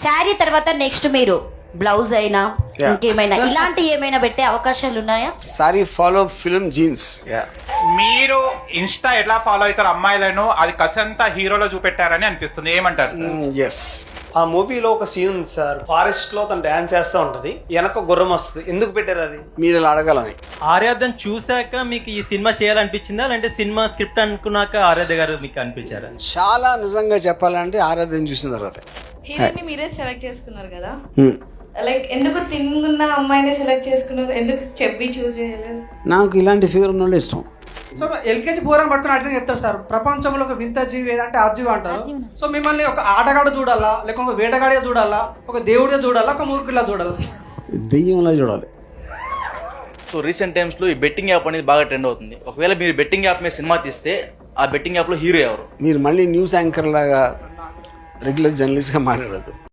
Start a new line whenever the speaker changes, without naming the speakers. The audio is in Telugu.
శారీ తర్వాత నెక్స్ట్ మీరు బ్లౌజ్ అయినా ఇంకేమైనా ఇలాంటి ఏమైనా పెట్టే అవకాశాలు ఉన్నాయా?
Sorry follow film jeans.
మీరు ఇన్స్టా ఎట్లా ఫాలో అవుతారు అమ్మాయిలను, అది కసంతా హీరోలో చూపెట్టారని అనిపిస్తుంది, ఏమంటారు సార్?
ఎస్,
ఆ మూవీలో ఒక సీన్ ఉంది సార్, ఫారెస్ట్ లో తను డాన్స్ చేస్తూ ఉంటది, వెనక గుర్రం వస్తుంది. ఎందుకు పెట్టారు అది?
మీరు ఇలా అడగాలని.
ఆరాధన చూసాక మీకు ఈ సినిమా చేయాలనిపించిందా, అంటే సినిమా స్క్రిప్ట్ అనుకున్నాక ఆరాధ్య గారు మీకు అనిపించారా?
చాలా నిజంగా చెప్పాలంటే ఆరాధన చూసిన తర్వాత.
హీరోయిన్ మీరే సెలెక్ట్ చేసుకున్నారు కదా, లైక్ ఎందుకు తిన్నున్న అమ్మాయిని సెలెక్ట్ చేసుకున్నారు, ఎందుకు చెప్పి చూస్ చేయలేదు?
నాకు ఇలాంటి ఫిగర్ ఉన్న వాళ్ళు ఇష్టం.
సో ఎల్కేజీ పోరాని పట్టుకుని అట్లా చెప్తారు సార్, ప్రపంచంలో ఒక వింత జీవి ఏదంటే అర్జీవి అంటారు. సో మిమ్మల్ని ఒక ఆటగాడు చూడాలా, లేకపోతే ఒక వేటగాడిగా చూడాలా, ఒక దేవుడిగా చూడాలా, ఒక మూర్ఖులా చూడాలా సార్?
దెయ్యంలా చూడాలి.
సో రీసెంట్ టైమ్స్లో ఈ బెట్టింగ్ యాప్ అనేది బాగా ట్రెండ్ అవుతుంది. ఒకవేళ మీరు బెట్టింగ్ యాప్ మీద సినిమా తీస్తే ఆ బెట్టింగ్ యాప్లో హీరో ఎవరు?
మీరు మళ్ళీ న్యూస్ యాంకర్ లాగా రెగ్యులర్ జర్నలిస్ట్గా మాట్లాడదు.